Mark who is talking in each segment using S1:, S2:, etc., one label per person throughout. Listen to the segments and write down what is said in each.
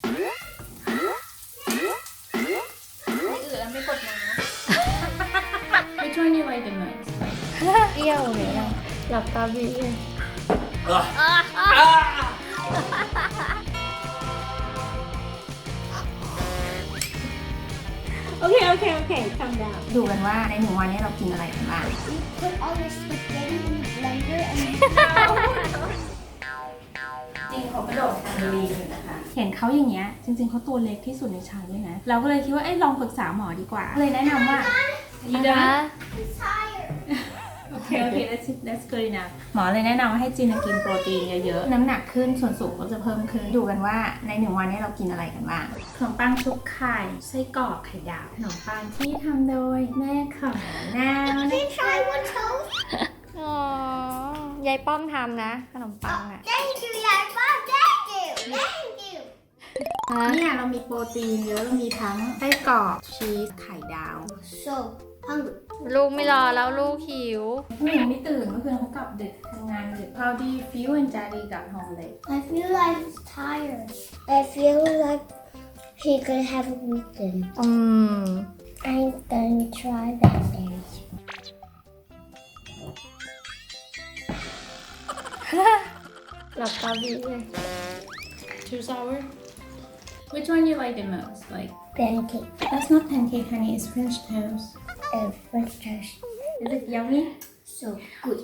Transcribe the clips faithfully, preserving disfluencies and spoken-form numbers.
S1: อื่นแล้วไม่กดน้ำ Which one you like the most
S2: เปรี้ยวเลยนะหลับตาบีเลย
S1: โอเคโอเคโอเคทำได้ดูกันว่าในหนึ่งวันนี้เรากินอะไรกันบ้าง
S3: Put all your spaghetti in the blender and
S1: จริงเขากระโดดแทนลีอยู่นะคะเห็นเขาอย่างเงี้ยจริงๆเขาตัวเล็กที่สุดในชั้นเลยนะเราก็เลยคิดว่าเอ้ยลองปรึกษาหมอดีกว่าเลยแนะนำว่าyou done
S3: I'm tired.
S1: โอเคโอเค that's that's good enough หมอเลยแนะนำว่าให้จินกินโปรตีนเยอะๆน้ำหนักขึ้นส่วนสูงก็จะเพิ่มขึ้นดูกันว่าในหนึ่งวันนี้เรากินอะไรกันบ้างขนมปังชุบไข่ไส้กรอกไข่ดาวขนมปังที่ทำโดยแม่ของนาว
S3: Can you try one toast?
S2: อ๋อยายป้อมทำนะขนมปังอ่ะ
S3: Thank you, Dad. Mom, thank you. Thank you.
S1: เนี่ยเรามีโปรตีนเยอะเรามีทั้งไส้กรอกชีสไข่ดาว
S3: So hungry.
S2: ลูกไม่รอแล้วลูกหิว
S1: ผู้หญิงไม่ตื่นเมื่อคืนเขากลับดึกทำงานดึก How do you feel when Daddy got home late
S3: I feel like he's tired. I feel like he could have a weekend.
S2: อืม
S3: I'm gonna try that day.
S2: หลับตาบีเลย
S1: Too sour Which one you like the most like
S3: Pancake
S1: That's not pancake honey it's French toast
S3: and French toast.
S1: Is it yummy
S3: So good.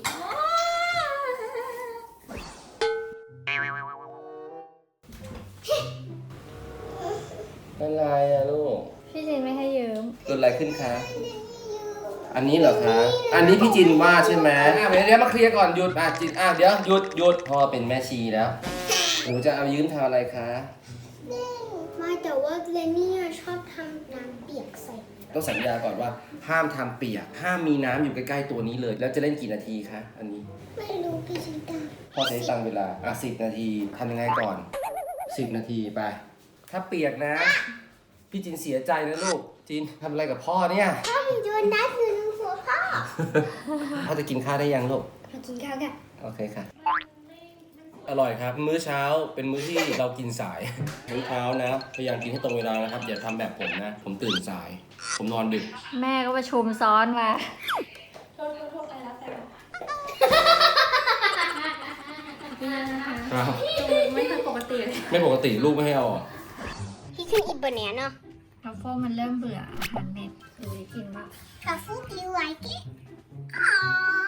S4: อะไรอะลูก
S2: พี่จินไม่ให้ยืม
S4: เกิดอะไรขึ้นคะ อันนี้เหรอคะ อันนี้พี่จินว่าใช่ไหมอ่ะเดี๋ยวเดี๋ยวมาเคลียร์ก่อนหยุดอ่ะจินอ่ะเดี๋ยวหยุดหยุดพ่อเป็นแม่ชีแล้วหนูจะเอายืมทำอะไรคะ
S3: ไม่แต่ว่าเลนี่ชอบทำน้ำเปียกใส่
S4: ต้องสัญญาก่อนว่าห้ามทำเปียกห้ามมีน้ำอยู่ใกล้ๆตัวนี้เลย แล้วจะเล่นกี่นาทีคะอันนี้
S3: ไม่รู้พี่ชิตา
S4: พ่อใช้ตังเวลาอ่ะสิบนาทีทำยังไงก่อนสิบนาทีไป ถ้าเปียกนะ พี่จินเสียใจนะลูกจินทำอะไรกับพ่อเนี่ย
S3: พ่อมีโดนัทอยู่ในหัวพ่อ
S4: พ่อจะกินข้าวได้ยังลูก
S3: มากินข้าวกัน
S4: โอเคค่ะ อร่อยครับ มื้อเช้าเป็นมื้อที่ เรากินสาย มื้อเช้านะพยายามกินให้ตรงเวลานะครับอย่าทำแบบผมนะ ผมตื่นสาย ผมนอนดึก
S2: แม่ก็ประชุมซ้อนมา
S4: ครับ
S1: ไม่ค่อยปกติเลย
S4: ไม่ปกติลูกไม่ให้เอาอ่ะ
S3: He can eat banana.
S2: ทัฟเฟิลมันเริ่มเบื่ออาหารเม็ดเลยกินมาก
S3: Truffle, do you like it? Aww.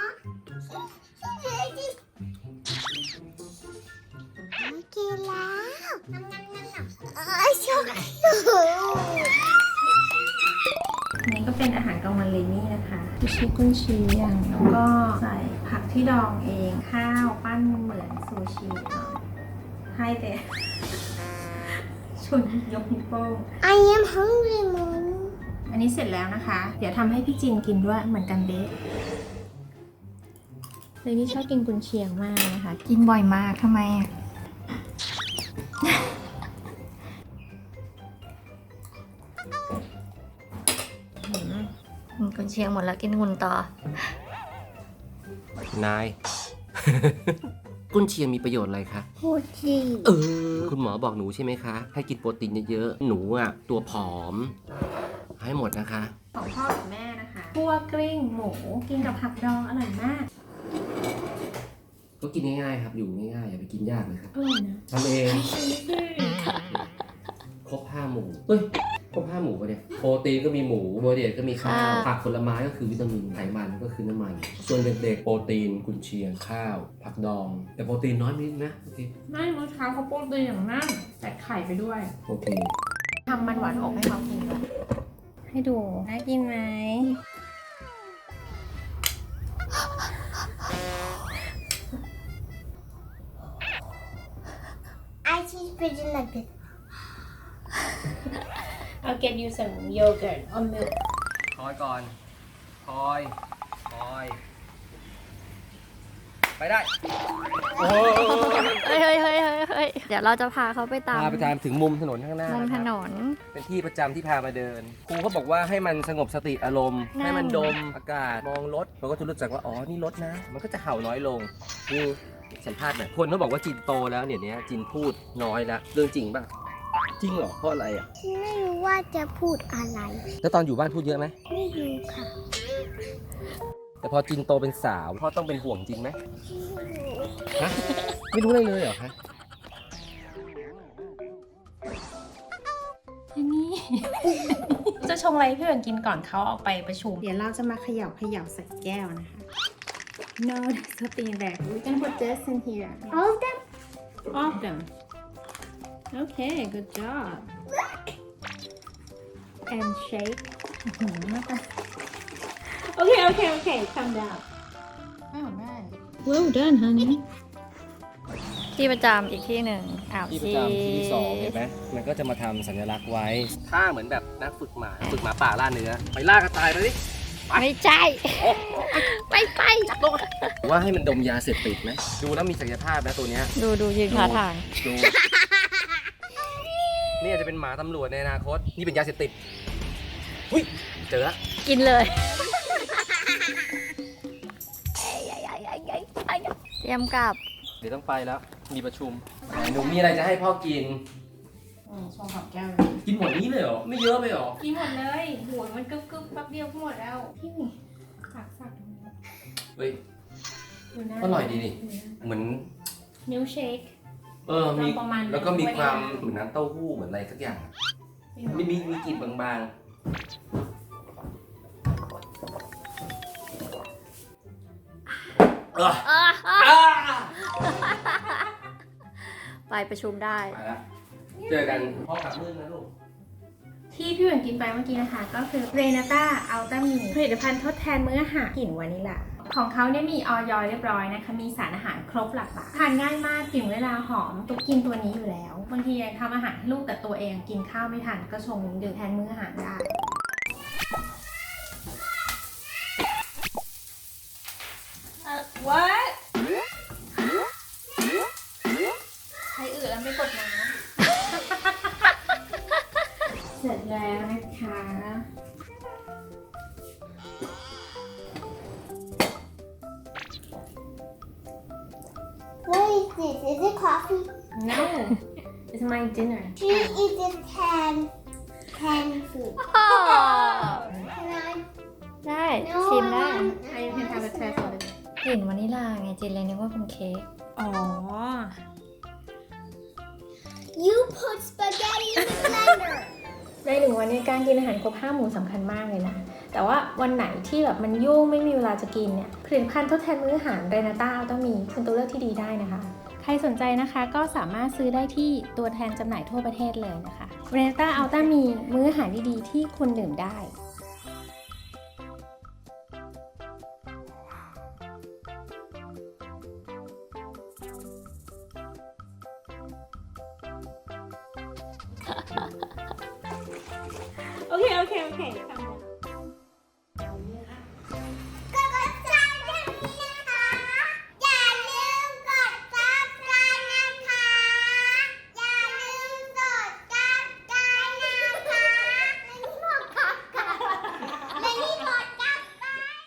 S3: Okay, now. Nom, nom, nom, nom. Oh, so cute.
S1: อันนี้ก็เป็นอาหารกลางวันเลนี่นะคะคือชิคกุนเชียงแล้วก็ใส่ผักที่ดองเองข้าวปั้นเหมือนซูชิเนาะให้แต่ ชุนยกนิ้วโป้ง
S3: I am hungry, Mom.
S1: อันนี้เสร็จแล้วนะคะ เดี๋ยวทำให้พี่จินกินด้วยเหมือนกันเด๊ะเลนี่ชอบกินกุนเชียงมากนะคะ
S2: กินบ่อยมากทำไมอ่ะ อืมกุนเชียงหมดแล้วกินหุ่นต่อ
S4: นาย กุนเชียงมีประโยชน์อะไรคะ
S3: Hoji.
S4: เออ คุณหมอบอกหนูใช่ไหมคะ ให้กินโปรตีนเยอะๆ หนูอ่ะตัวผอม ให้หมดนะคะ
S1: ของพ่อกับแม่นะคะคั่วกลิ้งหมูกินกับผักดองอร่อยมาก
S4: ก็กินง่ายๆครับ อยู่ง่ายๆอย่าไปกินยากเลยครับ
S1: อร่อยนะ
S4: ทำเอง ครบห้าหมู่เฮ้ย ครบห้าหมู่ปะเนี่ย โปรตีนก็มีหมูโบรเดตก็มีข้าว
S2: ค่ะ
S4: ผักผลไม้ก็คือวิตามิน ไขมันก็คือน้ำมัน ส่วนเด็กๆ โปรตีน กุนเชียง ข้าว ผักดอง แต่โปรตีนน้อยนิดนะ โอเค
S1: ไม่เมื่อเช้าเขาโปรตีนอย่างนั่นใส่ไข่ไปด้วย
S4: โอเค
S1: ทำมันหวานอบให้เขากินด้วยให้ดูน่ากินไหม
S3: I choose pigeon like this.
S1: I'll get you some yogurt or milk
S4: คอยก่อน คอย คอย ไปได้ โอ้
S2: เฮ้ยเฮ้ยเฮ้ยเฮ้ยเฮ้ยเดี๋ยวเราจะพาเขาไปตาม
S4: พาไปตามถึงมุมถนนข้างหน้า
S2: มุม
S4: นะค
S2: ถ
S4: รับ
S2: นน
S4: เป็นที่ประจำที่พามาเดิน ครูเขาบอกว่าให้มันสงบสติอารมณ์
S2: นั่น
S4: ให้มันดมอากาศ มองรถเราก็จะรู้จักว่า อ๋อ นี่รถนะ มันก็จะเห่าน้อยลงนี่สัมภาษณ์หน่อยคนเขาบอกว่าจินโตแล้วเนี่ยเนี้ยจินพูดน้อยแล้ว เรื่องจริงป่ะจริงเหรอเพราะอะไรอ่ะ
S3: จินไม่รู้ว่าจะพูดอะไร
S4: แล้วตอนอยู่บ้านพูดเยอะไหม
S3: ไม่รู้ค่ะ
S4: แต่พอจินโตเป็นสาวพ่อต้องเป็นห่วงจินไหม
S3: ไม่รู้
S4: ฮะไม่รู้อะไรเลยเหรอคะ
S1: อันนี้ จะชงอะไรให้พี่เอิญกินก่อนเขาออกไปประชุม เดี๋ยวเราจะมาเขย่าเขย่าใส่แก้วนะคะ No, there's nothing in there. We can put this in here.
S3: All of them
S1: All of them. Okay, good job. And shake. อื้อหือนะคะ Okay, okay, okay. Calm down. Oh, nice. Well done, honey.
S2: ที่ประจำอีกที่หนึ่งอ้าว
S4: ที่ประจำที่ที่สองเห็นไหมมันก็จะมาทำสัญลักษณ์ไว้ท่าเหมือนแบบนักฝึกหมาฝึกหมาป่าล่าเนื้อไปล่ากระต่ายไปดิ
S2: ไม่ใช่ไม่ไป
S4: ว่าให้มันดมยาเสพติดไหมดูแล้วมีศักยภาพนะตัวเนี้ย
S2: ดูดูยืนท่าทาง
S4: ดู นี่อาจจะเป็นหมาตำรวจในอนาคต นี่เป็นยาเสพติดหุ้ยเจอละ
S2: กินเลย เตรียมกลับ
S4: เดี๋ยวต้องไปแล้ว มีประชุมหนูมีอะไรจะให้พ่อกิน
S1: อืมชงหอมแก้วเลย
S4: กินหมดนี้เลยเหรอ ไม่เยอะไปเหรอ
S1: กินหมดเลยโหยมันกึบกึบแป๊บเดียวก็หมดแล้วพี่สักสัก
S4: เฮ้ย
S1: ดูหน้า
S4: อร่อยดีนี่ เหมือน
S1: มิลเชค
S4: เออ มี
S1: ประมาณ
S4: แล้วก็มีความ
S1: ด้วยนะ
S4: เหมือนน้ำเต้าหู้เหมือนอะไรสักอย่างมีมีมีกลิ่นบางๆเออ
S2: อ่ะอ่ะ
S4: อ่า
S2: ไปประชุมได้
S4: ไปแล้วเจอกันพ่อกลับมืดนะลูก
S1: ที่พี่เหมือนกินไปเมื่อกี้นะคะ ก็คือเรนาต้าอัลต้ามีผลิตภัณฑ์ทดแทนมื้ออาหารกลิ่นวานิลลาของเขาเนี่ยมีออยเรียบร้อยนะคะ มีสารอาหารครบหลากหลายทานง่ายมากกลิ่นเวลาหอมตุ๊กกินตัวนี้อยู่แล้วบางทีทำอาหารให้ลูกแต่ตัวเองกินข้าวไม่ทันก็ชงดื่มแทนมื้ออาหารได้ What ใครอื่นแล้วไม่กดน้ำ เสร็จแล้วนะคะ
S3: What is this? Is it coffee?
S1: No it's my dinner
S3: She eats canned canned food. Can I?
S2: ได้
S3: No,
S2: ชิมได้
S3: I want-
S1: I can have a test of it
S2: กลิ่นวานิลลาไงจินเลยนึกว่าเป็นเค้ก
S1: อ๋อ
S3: You put spaghetti in the blender.
S1: ในหนึ่งวันนี้การกินอาหารครบห้าหมู่สำคัญมากเลยนะ แต่ว่าวันไหนที่แบบมันยุ่งไม่มีเวลาจะกินเนี่ยผลิตภัณฑ์ทดแทนมื้ออาหารเรนาต้าต้องมีเป็นตัวเลือกที่ดีได้นะคะ ใครสนใจนะคะก็สามารถซื้อได้ที่ตัวแทนจำหน่ายทั่วประเทศเลยนะคะเรนาต้าอัลต้ามีมื้ออาหารดีๆที่คุณดื่มได้ โอเค โอเค โอเคทำ